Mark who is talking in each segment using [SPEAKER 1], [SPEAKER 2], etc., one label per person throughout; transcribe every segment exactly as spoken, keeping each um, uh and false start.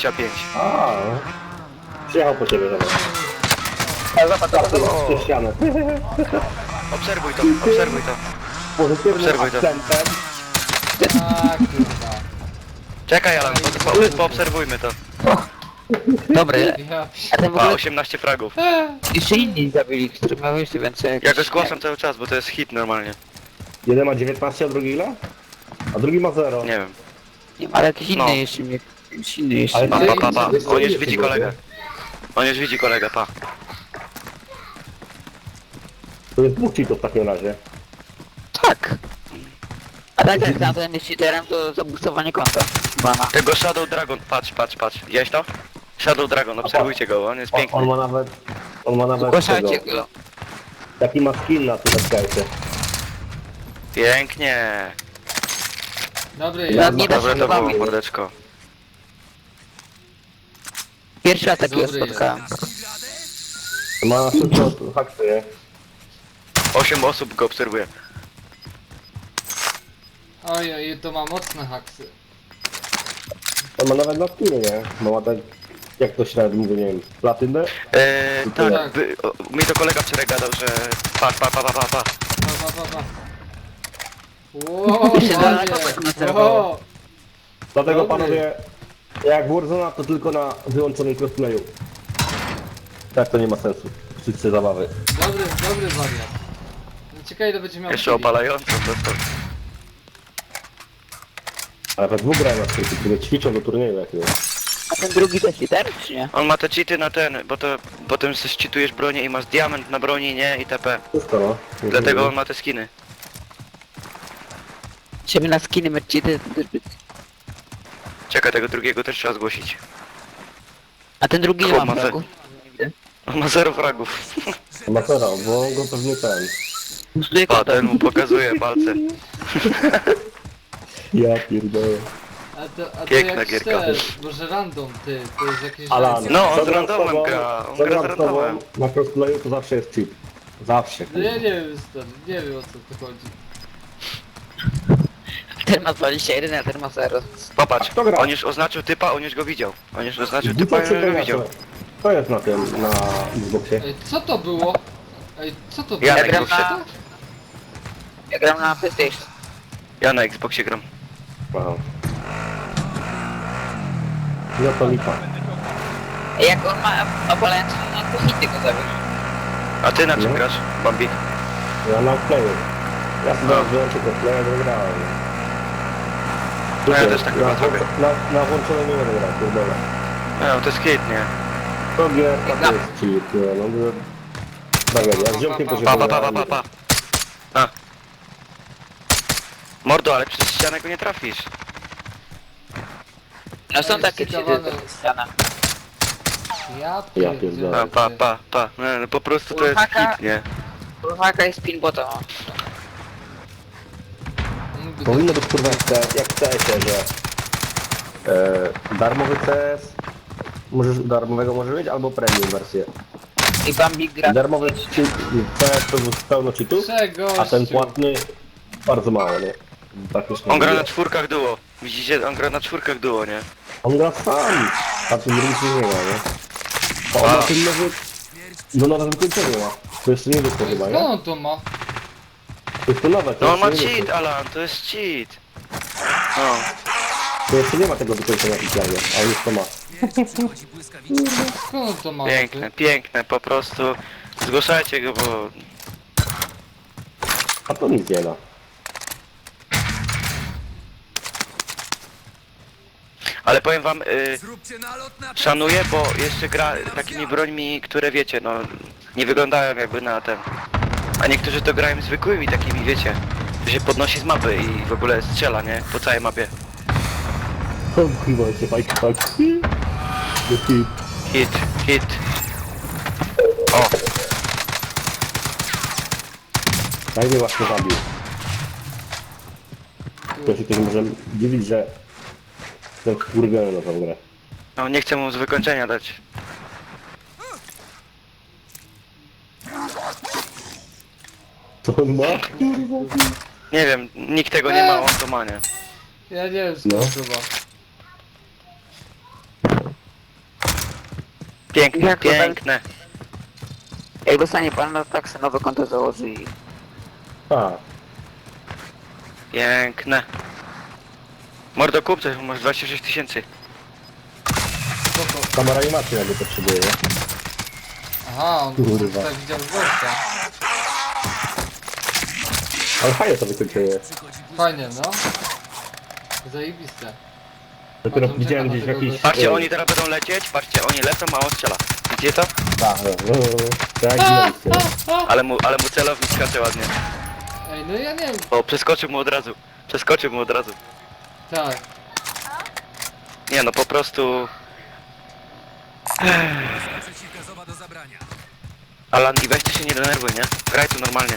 [SPEAKER 1] dwadzieścia pięć.
[SPEAKER 2] A, no. Przyjechał po ciebie, dobra.
[SPEAKER 3] A zobacz, zobacz, zobacz.
[SPEAKER 2] Przez ścianę.
[SPEAKER 1] Obserwuj to, obserwuj to.
[SPEAKER 2] Pozytywnym
[SPEAKER 1] Obserwuj to.
[SPEAKER 2] akcentem.
[SPEAKER 4] A kurwa.
[SPEAKER 1] Czekaj Alan, po, po, poobserwujmy to.
[SPEAKER 3] Dobry,
[SPEAKER 4] Ja
[SPEAKER 3] a ten w
[SPEAKER 1] Pa,
[SPEAKER 3] ogóle
[SPEAKER 1] osiemnaście fragów.
[SPEAKER 3] jeszcze inni zabili, którzy miały jeszcze więcej
[SPEAKER 1] Ja go zgłaszam cały czas, bo to jest hit normalnie.
[SPEAKER 2] Jeden ma dziewiętnaście, a drugi ile? A drugi ma zero.
[SPEAKER 1] Nie wiem.
[SPEAKER 3] Nie ma, ale jakiś inny
[SPEAKER 1] No.
[SPEAKER 3] jeszcze mnie. Jakiś inny jeszcze.
[SPEAKER 2] Ale
[SPEAKER 1] Pa,
[SPEAKER 2] ty-
[SPEAKER 1] pa, pa, pa.
[SPEAKER 2] ty-
[SPEAKER 1] On już
[SPEAKER 2] ty-
[SPEAKER 1] widzi
[SPEAKER 2] ty-
[SPEAKER 1] kolegę. On już widzi kolegę, pa.
[SPEAKER 2] To jest dwóch cheatów w takim razie.
[SPEAKER 3] Tak. A tak jak tamten jest cheaterem, to zabustowanie konta. Bana.
[SPEAKER 1] Tego Shadow Dragon, patrz, patrz, patrz. Widziałeś to? Shadow Dragon, obserwujcie go, on jest
[SPEAKER 2] On,
[SPEAKER 1] piękny.
[SPEAKER 2] on ma nawet... On ma nawet
[SPEAKER 3] Zgłaszajcie
[SPEAKER 2] tego.
[SPEAKER 3] go.
[SPEAKER 2] Jaki ma skin na tym skajcie.
[SPEAKER 1] Pięknie.
[SPEAKER 4] Dobry
[SPEAKER 3] Ja
[SPEAKER 4] jest.
[SPEAKER 3] nie da
[SPEAKER 1] Dobre
[SPEAKER 3] się
[SPEAKER 1] to było,
[SPEAKER 3] bawić.
[SPEAKER 1] mordeczko.
[SPEAKER 3] Pierwszy raz takiego
[SPEAKER 4] Dobry
[SPEAKER 3] spotkałem.
[SPEAKER 2] Ma na szybko haksuje.
[SPEAKER 1] Osiem osób go obserwuje.
[SPEAKER 4] Oj, oj, to ma mocne haksy.
[SPEAKER 2] On ma nawet na skinie, nie? Bo ma tak... Jak to średnio mówię, nie wiem, platynę?
[SPEAKER 1] Eee,
[SPEAKER 2] Tak.
[SPEAKER 1] tak, by, o, mi to kolega wczoraj gadał, że... Pa, pa, pa, pa, pa, pa.
[SPEAKER 4] Pa, pa, pa, pa. Ło,
[SPEAKER 3] Się da na kopek
[SPEAKER 4] panie.
[SPEAKER 3] nacerowało.
[SPEAKER 4] Ło.
[SPEAKER 2] Dlatego
[SPEAKER 4] Dobry.
[SPEAKER 2] panowie, jak Warzona to tylko na wyłączonym crossplayu. Tak to nie ma sensu. Wszyscy zabawy.
[SPEAKER 4] Dobry, dobry wariat. Ciekawe ile będzie miał
[SPEAKER 1] Jeszcze
[SPEAKER 4] chwili.
[SPEAKER 1] opalająco dostał.
[SPEAKER 2] Ale we dwóch grają na skróty, które ćwiczą do turnieju jakiegoś.
[SPEAKER 3] A ten drugi też cheater, czy nie?
[SPEAKER 1] On ma te cheaty na ten, bo to potem sobie cheatujesz bronię i masz diament na broni, nie? I itp.
[SPEAKER 2] Wszystko no.
[SPEAKER 1] Dlatego on ma te skiny.
[SPEAKER 3] Ciebie na skiny mieć cheaty, to też by...
[SPEAKER 1] Czekaj, tego drugiego też trzeba zgłosić.
[SPEAKER 3] A ten drugi nie
[SPEAKER 1] Chłop
[SPEAKER 3] ma
[SPEAKER 1] ma
[SPEAKER 3] fragu.
[SPEAKER 1] On ma zero fragów.
[SPEAKER 2] Ma zero, bo go pewnie ten.
[SPEAKER 3] Bustuje
[SPEAKER 1] Pa,
[SPEAKER 3] konto.
[SPEAKER 1] ten mu pokazuje palce.
[SPEAKER 2] Ja pierdolę.
[SPEAKER 4] A to, a to
[SPEAKER 1] Piękna
[SPEAKER 4] jak
[SPEAKER 1] gierka.
[SPEAKER 4] szczer, może random ty, to jest jakieś...
[SPEAKER 2] Alan,
[SPEAKER 4] random.
[SPEAKER 1] No, on
[SPEAKER 2] co
[SPEAKER 1] z
[SPEAKER 2] gram
[SPEAKER 1] randomem
[SPEAKER 2] tobą-
[SPEAKER 1] gra, on
[SPEAKER 2] co
[SPEAKER 1] gra z
[SPEAKER 2] gram z tobą
[SPEAKER 1] randomem.
[SPEAKER 2] Na crossplayu to zawsze jest cheat. Zawsze.
[SPEAKER 4] No ja nie wiem stary, nie wiem o co tu chodzi.
[SPEAKER 3] Ten ma dwadzieścia jeden, a ten ma zero.
[SPEAKER 1] Popatrz,
[SPEAKER 2] Kto gra?
[SPEAKER 1] on już oznaczył typa, on już go widział. On już oznaczył typa
[SPEAKER 2] Dupę
[SPEAKER 1] i
[SPEAKER 2] czy
[SPEAKER 1] on go
[SPEAKER 2] gracze?
[SPEAKER 1] widział.
[SPEAKER 2] To jest na tym, na Xboxie.
[SPEAKER 4] Ej, co to było? Ej, co to było?
[SPEAKER 1] Ja
[SPEAKER 3] Ja
[SPEAKER 1] na
[SPEAKER 3] gram
[SPEAKER 1] Xboxie.
[SPEAKER 3] na... Ja gram na PlayStation.
[SPEAKER 1] Ja na Xboxie gram.
[SPEAKER 2] Aha. No to lipa.
[SPEAKER 3] Ej, jak on ma opalający, no to hity go zabił.
[SPEAKER 1] A ty na czym
[SPEAKER 2] No.
[SPEAKER 1] grasz, Bambi?
[SPEAKER 2] Ja na playu. Ja sobie
[SPEAKER 1] No.
[SPEAKER 2] wziąłem tylko playa, to grałem.
[SPEAKER 1] No ja też tak
[SPEAKER 2] na,
[SPEAKER 1] chyba zrobię.
[SPEAKER 2] na, na włączonym nie będę grał, pierdolę.
[SPEAKER 1] No, to jest hit, nie?
[SPEAKER 2] To gierka to jest cheat, nie, no to... Tragedia, ja z ziomkiem to się
[SPEAKER 1] Pa, pa, pa, pa,
[SPEAKER 2] pograłem.
[SPEAKER 1] pa, pa. A. Mordo, ale przez ścianę go nie trafisz.
[SPEAKER 3] No są
[SPEAKER 4] Ej,
[SPEAKER 3] takie cheaty,
[SPEAKER 4] stykowane.
[SPEAKER 3] to jest ściana.
[SPEAKER 4] Ja
[SPEAKER 2] Ja
[SPEAKER 4] pierdzielę.
[SPEAKER 2] pierdolę.
[SPEAKER 1] Pa, pa, pa, pa. No, no, po prostu to jest
[SPEAKER 3] Urhaka.
[SPEAKER 1] hit, nie?
[SPEAKER 3] Haka jest pinbota.
[SPEAKER 4] Mógłby
[SPEAKER 2] Powinno być kurwa jak, C- jak w C S-ie, że... E, darmowy C S... Możesz, darmowego może mieć, albo premium wersję.
[SPEAKER 3] I Bambi gra.
[SPEAKER 2] Darmowy cheat, C S to jest pełno cheatów,
[SPEAKER 4] Czego?
[SPEAKER 2] a ten płatny bardzo mało, nie? Praktycznie
[SPEAKER 1] On gra
[SPEAKER 2] nie.
[SPEAKER 1] na czwórkach duo. Widzicie, on gra na czwórkach duo, nie?
[SPEAKER 2] On gra sam, a tym drugim się nie gra, nie? A on
[SPEAKER 1] A.
[SPEAKER 2] na tym nowy... No na nowym kończeniu ma. To jeszcze nie wyszło chyba,
[SPEAKER 4] Skąd
[SPEAKER 2] nie?
[SPEAKER 4] on to ma?
[SPEAKER 2] To jest to nowe, to
[SPEAKER 1] No on ma
[SPEAKER 2] jeszcze nie
[SPEAKER 1] cheat,
[SPEAKER 2] wyszło.
[SPEAKER 1] Alan, to jest cheat. No.
[SPEAKER 2] To jeszcze nie ma tego wykończenia oficjalnie, a już to ma.
[SPEAKER 4] Skąd on to ma?
[SPEAKER 1] Piękne, piękne, po prostu zgłaszajcie go, bo...
[SPEAKER 2] A to nic nie da.
[SPEAKER 1] Ale powiem wam, y, szanuję, bo jeszcze gra takimi brońmi, które wiecie, no nie wyglądają jakby na ten. A niektórzy to grają zwykłymi takimi, wiecie, że się podnosi z mapy i w ogóle strzela, nie? Po całej mapie.
[SPEAKER 2] O chyba się fajki tak. Hit.
[SPEAKER 1] Hit, hit. O,
[SPEAKER 2] Tak mnie właśnie zabił. To się ktoś może dziwić, że... Ten kurwiony na tą grę.
[SPEAKER 1] no nie chcę mu z wykończenia dać.
[SPEAKER 2] Co on ma?
[SPEAKER 1] Nie wiem, nikt tego nie ma, on to ma, nie?
[SPEAKER 4] Ja nie wiem
[SPEAKER 2] No.
[SPEAKER 4] skąd to ma.
[SPEAKER 1] Piękne,
[SPEAKER 3] Jak to tak?
[SPEAKER 1] piękne.
[SPEAKER 3] Jak dostanie pan, no tak sobie nowe konto założy i...
[SPEAKER 2] A,
[SPEAKER 1] Piękne. Mordo kup coś, masz dwadzieścia sześć tysięcy.
[SPEAKER 4] Spoko.
[SPEAKER 2] kamera animacji jakby potrzebuje, nie?
[SPEAKER 4] Aha, on
[SPEAKER 2] Kurwa.
[SPEAKER 4] tutaj widział gościa.
[SPEAKER 2] Ale fajnie to wykończenie.
[SPEAKER 4] Fajnie, no. Zajebiste.
[SPEAKER 2] Dopiero
[SPEAKER 4] Patrzą,
[SPEAKER 2] widziałem
[SPEAKER 4] czekam
[SPEAKER 2] gdzieś w
[SPEAKER 4] na tego
[SPEAKER 2] jakiejś...
[SPEAKER 4] gościa.
[SPEAKER 1] Patrzcie,
[SPEAKER 2] e,
[SPEAKER 1] oni teraz będą lecieć, patrzcie, oni lecą, a on strzela. Widzicie to?
[SPEAKER 2] Tak, no, no, no, tak jak widzieliście.
[SPEAKER 1] Ale mu, ale mu celownik skacze ładnie.
[SPEAKER 4] Ej, no ja nie wiem.
[SPEAKER 1] O, przeskoczył mu od razu. Przeskoczył mu od razu.
[SPEAKER 4] Tak.
[SPEAKER 1] Nie no, po prostu...
[SPEAKER 5] Przeciwgazowa do zabrania.
[SPEAKER 1] Alan, i weź ty się nie denerwuj, nie? Graj tu normalnie.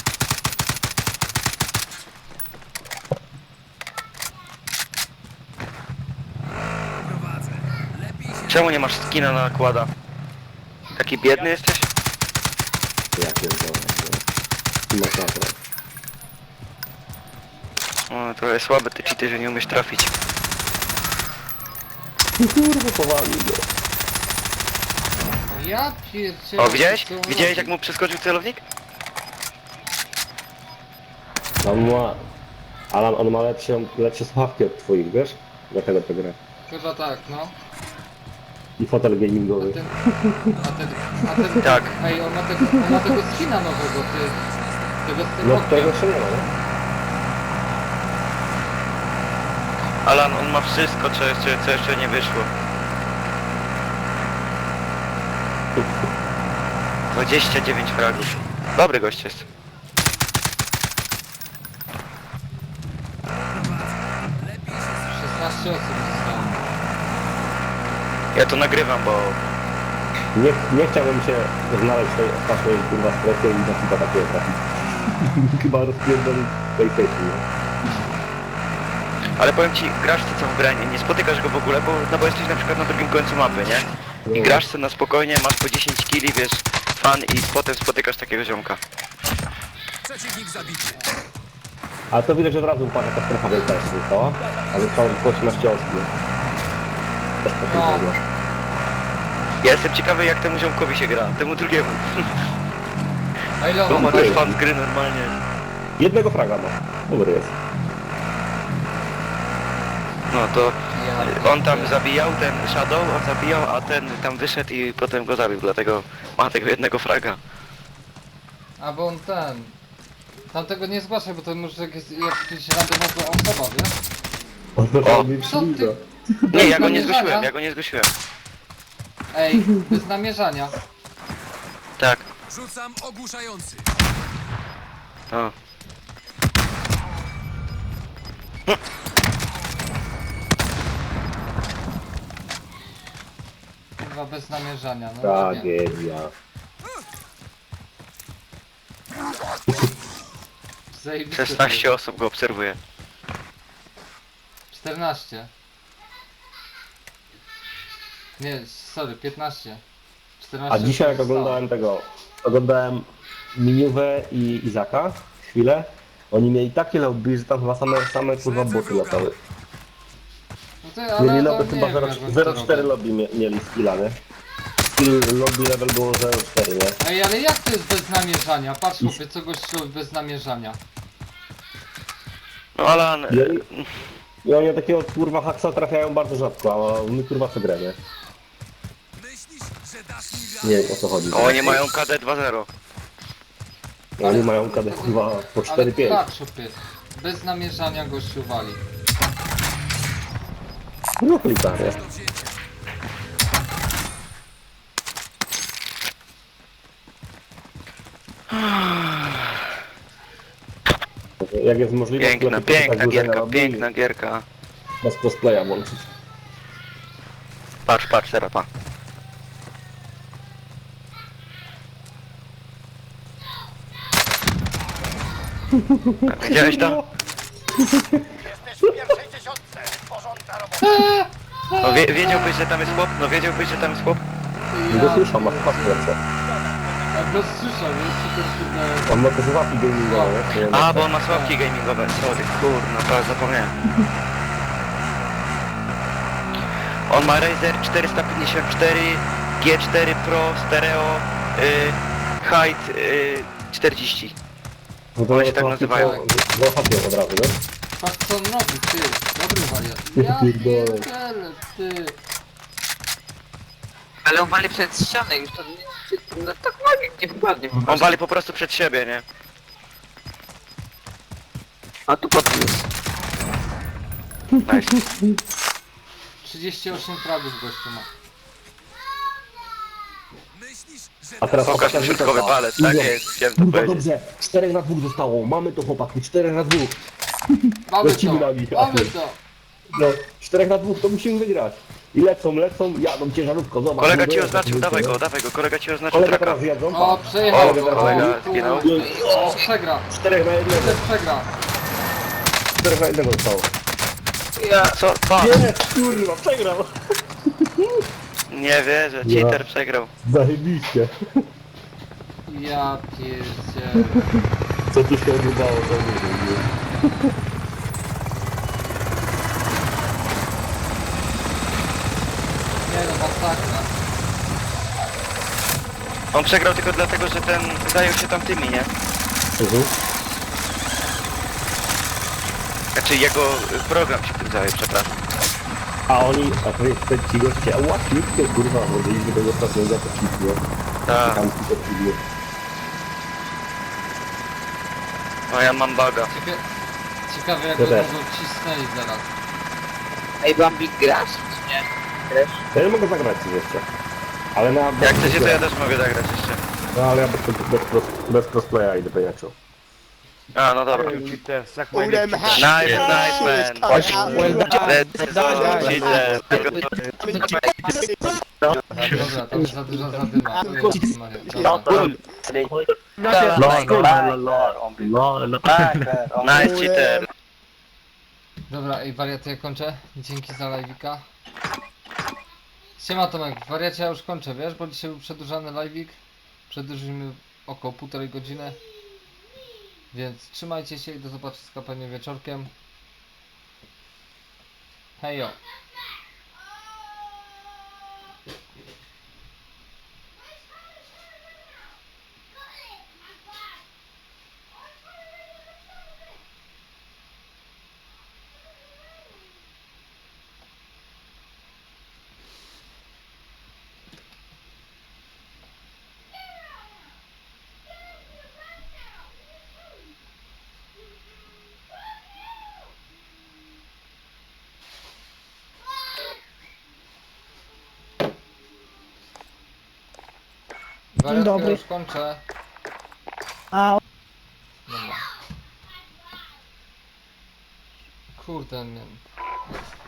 [SPEAKER 5] Prowadzę. Lepiej się
[SPEAKER 1] Czemu nie masz skina na nakłada? Taki biedny jesteś?
[SPEAKER 2] Ja pierdolę. no. Masakra.
[SPEAKER 1] O, trochę słabe te cheaty, że nie umiesz trafić.
[SPEAKER 2] Kurwa, powalił go.
[SPEAKER 4] Ja pierdzielę.
[SPEAKER 1] O, widziałeś?
[SPEAKER 4] co on
[SPEAKER 1] Widziałeś
[SPEAKER 4] robi?
[SPEAKER 1] jak mu przeskoczył celownik?
[SPEAKER 2] On ma... Alan, on ma lepsze, lepsze słuchawki od twoich, wiesz? Dlatego to gra.
[SPEAKER 4] Chyba tak, no.
[SPEAKER 2] I fotel
[SPEAKER 4] A
[SPEAKER 2] gamingowy.
[SPEAKER 4] ten... A ten... A ten...
[SPEAKER 1] Tak.
[SPEAKER 4] Ej, on ma tego, on ma tego skina nowego, ty. Tego z tym
[SPEAKER 2] No
[SPEAKER 4] okiem.
[SPEAKER 2] tego jeszcze nie ma, nie?
[SPEAKER 1] Alan, on ma wszystko, co jeszcze, co jeszcze nie wyszło. dwadzieścia dziewięć fragów. Dobry gość jest.
[SPEAKER 4] szesnaście osób zostało.
[SPEAKER 1] Ja to nagrywam, bo...
[SPEAKER 2] Nie, nie chciałbym się znaleźć w tej ostatniej kurwa strefie i na chyba takiego trafić. Chyba rozpierdolić PlayStation, nie?
[SPEAKER 1] Ale powiem ci, grasz ty co w grę, nie, nie spotykasz go w ogóle, bo, no bo jesteś na przykład na drugim końcu mapy, nie? I grasz sobie na spokojnie, masz po dziesięć killi, wiesz, fan i potem spotykasz takiego ziomka.
[SPEAKER 5] przeciwnik zabity.
[SPEAKER 2] Ale to widać, że od razu upada ta strefa wielka jest tylko, a zostało tylko osiemnaście osób, nie? Też po
[SPEAKER 4] No.
[SPEAKER 2] tym
[SPEAKER 1] Ja jestem ciekawy jak temu ziomkowi się gra, temu drugiemu.
[SPEAKER 4] A ile
[SPEAKER 1] Bo
[SPEAKER 4] on
[SPEAKER 1] ma
[SPEAKER 4] ma?
[SPEAKER 1] też fan z gry normalnie.
[SPEAKER 2] Jednego fraga ma. Dobry jest.
[SPEAKER 1] No to
[SPEAKER 4] Ja
[SPEAKER 1] on tam
[SPEAKER 4] pierdzielę.
[SPEAKER 1] zabijał, ten Shadow, on zabijał, a ten tam wyszedł i potem go zabił, dlatego ma tego jednego fraga.
[SPEAKER 4] A bo on ten... Tamtego nie zgłaszaj, bo to może jakieś, jakaś randomowa osoba, wiesz?
[SPEAKER 2] On to
[SPEAKER 1] O.
[SPEAKER 2] robi
[SPEAKER 4] Co ty?
[SPEAKER 1] Nie, ja go nie
[SPEAKER 4] namierzania?
[SPEAKER 1] zgłosiłem, ja go nie zgłosiłem.
[SPEAKER 4] Ej, bez namierzania.
[SPEAKER 1] Tak,
[SPEAKER 5] Rzucam ogłuszający.
[SPEAKER 1] o.
[SPEAKER 4] Chyba bez namierzania, no ładnie.
[SPEAKER 2] Tragedia.
[SPEAKER 4] Zajebiście.
[SPEAKER 1] szesnaście osób go obserwuje.
[SPEAKER 4] czternaście. Nie, sorry, piętnaście. czternaście
[SPEAKER 2] A dzisiaj jak
[SPEAKER 4] osób zostało.
[SPEAKER 2] oglądałem tego, oglądałem Miniuwę i Izaka chwilę, oni mieli takie lobby, że tam chyba same, same kurwa boty latały.
[SPEAKER 4] No ty, ale
[SPEAKER 2] Mieli
[SPEAKER 4] to
[SPEAKER 2] lobby
[SPEAKER 4] nie
[SPEAKER 2] chyba
[SPEAKER 4] wiem,
[SPEAKER 2] zero
[SPEAKER 4] jak oni
[SPEAKER 2] zero
[SPEAKER 4] to
[SPEAKER 2] cztery
[SPEAKER 4] robią.
[SPEAKER 2] lobby mie, mieli skilla, nie? Skill lobby level było zero cztery, nie?
[SPEAKER 4] Ej, ale jak to jest bez namierzania? Patrz chłopie, co gościu robi bez namierzania.
[SPEAKER 1] No Alan,
[SPEAKER 2] I oni, i oni takiego kurwa haksa trafiają bardzo rzadko, a my kurwa co grę, nie?
[SPEAKER 5] Myślisz, że dasz mi wiarę?
[SPEAKER 2] Nie wiem o co chodzi.
[SPEAKER 1] oni mają K D dwa zero.
[SPEAKER 2] Oni mają kadę kurwa po
[SPEAKER 4] Ale
[SPEAKER 2] cztery pięć.
[SPEAKER 4] patrz chłopie, bez namierzania gościu wali.
[SPEAKER 2] No klika, nie?
[SPEAKER 5] Do wzięcia.
[SPEAKER 2] Jak jest możliwe,
[SPEAKER 1] Piękna,
[SPEAKER 2] to lepiej
[SPEAKER 1] piękna
[SPEAKER 2] tak dłużej
[SPEAKER 1] gierka,
[SPEAKER 2] na lobby i
[SPEAKER 1] piękna gierka.
[SPEAKER 2] bez cosplaya włączyć.
[SPEAKER 1] Patrz, patrz, teraz pa. Widziałeś to? No wie, wiedziałbyś, że tam jest chłop? No wiedziałbyś, że tam jest chłop?
[SPEAKER 2] Nie go słyszał, ma pas w ręce.
[SPEAKER 4] Jak go słyszał, wiesz, co to się...
[SPEAKER 2] On ma te słuchawki gamingowe, nie?
[SPEAKER 1] A, bo on ma sławki gamingowe, sorry, kurna, to zapomniałem. On ma Razer czterysta pięćdziesiąt cztery G cztery Pro Stereo y, Height y, czterdzieści.
[SPEAKER 2] No to
[SPEAKER 1] One się tak nazywają.
[SPEAKER 2] No chodźmy od razu, no.
[SPEAKER 4] Patrz co on robi, ty. Dobry wariat.
[SPEAKER 2] Ja
[SPEAKER 4] Ja
[SPEAKER 2] pierdolę.
[SPEAKER 4] pierdolę, ty.
[SPEAKER 3] Ale on wali przed ścianę już to nie, no tak magik nie wpadnie. po
[SPEAKER 1] On
[SPEAKER 3] prostu.
[SPEAKER 1] wali po prostu przed siebie, nie?
[SPEAKER 3] A tu podniósł.
[SPEAKER 1] Nice.
[SPEAKER 4] trzydzieści osiem fragów gościu ma.
[SPEAKER 5] Myślisz, że
[SPEAKER 2] A teraz
[SPEAKER 1] Pokaż
[SPEAKER 2] Opasia
[SPEAKER 1] środkowy
[SPEAKER 2] rzuca.
[SPEAKER 1] palec, tak
[SPEAKER 2] Idzie.
[SPEAKER 1] jest, chciałem to
[SPEAKER 2] Kurwa
[SPEAKER 1] powiedzieć.
[SPEAKER 2] dobrze, czterech na dwóch zostało, mamy to chłopaki, czterech na dwóch.
[SPEAKER 4] Mamy
[SPEAKER 2] Lecimy
[SPEAKER 4] to,
[SPEAKER 2] na nich,
[SPEAKER 4] mamy
[SPEAKER 2] Achmed.
[SPEAKER 4] to.
[SPEAKER 2] No, czterech na dwóch to musimy wygrać. I lecą, lecą, jadą ciężarówką, zobacz.
[SPEAKER 1] Kolega
[SPEAKER 2] mówię,
[SPEAKER 1] ci
[SPEAKER 2] jak
[SPEAKER 1] oznaczył,
[SPEAKER 2] to
[SPEAKER 1] dawaj
[SPEAKER 2] wyjdzie,
[SPEAKER 1] go,
[SPEAKER 2] no.
[SPEAKER 1] dawaj go, kolega ci oznaczył
[SPEAKER 2] Kolega
[SPEAKER 1] traka.
[SPEAKER 2] teraz jadą,
[SPEAKER 4] O,
[SPEAKER 2] pa.
[SPEAKER 4] przejechał
[SPEAKER 2] O,
[SPEAKER 4] go.
[SPEAKER 1] kolega
[SPEAKER 4] O,
[SPEAKER 1] zginął.
[SPEAKER 4] O, przegra.
[SPEAKER 2] Czterech na jednego,
[SPEAKER 4] Też przegra.
[SPEAKER 2] czterech na jednego zostało.
[SPEAKER 3] Ja...
[SPEAKER 1] Co? Pa!
[SPEAKER 2] Jest, kurwa, przegrał.
[SPEAKER 1] Nie wierzę, cheater przegrał.
[SPEAKER 2] Zajebiście.
[SPEAKER 4] Ja pierdzielę.
[SPEAKER 2] Co tu się odbywało, to nie wiem.
[SPEAKER 4] Nie no, masakra.
[SPEAKER 1] On przegrał tylko dlatego, że ten zajął się tamtymi, nie?
[SPEAKER 2] Mhm.
[SPEAKER 1] Znaczy jego program się tym zajął, przepraszam.
[SPEAKER 2] A oni, a to jest te ci goście, a łatwiejkie kurwa, bo byliśmy tego ostatniego to ci, nie?
[SPEAKER 1] Tak,
[SPEAKER 2] Tam ci to przyjdzie.
[SPEAKER 1] no ja mam baga.
[SPEAKER 4] Cieka ciekawe jak
[SPEAKER 2] Ja
[SPEAKER 4] go
[SPEAKER 2] też.
[SPEAKER 4] będą cisnęli zaraz.
[SPEAKER 3] Ej, Bambik grasz? Czy nie? Grasz?
[SPEAKER 2] Ja nie mogę zagrać coś jeszcze. Ale na...
[SPEAKER 1] Jak chcecie, to ja też mogę zagrać jeszcze.
[SPEAKER 2] No ale ja bez, bez, bez, bez crossplaya idę pejaczu.
[SPEAKER 1] A, no dobra.
[SPEAKER 6] All them hackers.
[SPEAKER 1] Nice, nice man. Let's go, cheater.
[SPEAKER 4] Dobra, to już za dużo zadyma. O Jezus Maria. Dobra.
[SPEAKER 1] Nice, cheater.
[SPEAKER 4] Dobra, ej wariaty, ja kończę. Dzięki za live'ika. Siema Tomek, wariacie ja już kończę, wiesz, bo dzisiaj był przedłużany live'ik. Przedłużymy około półtorej godziny. Więc trzymajcie się i do zobaczenia pewnie wieczorkiem. Hejo. Wariatkę
[SPEAKER 7] dobry.
[SPEAKER 4] już kończę.
[SPEAKER 7] A
[SPEAKER 4] Dobra. Kurde, nie.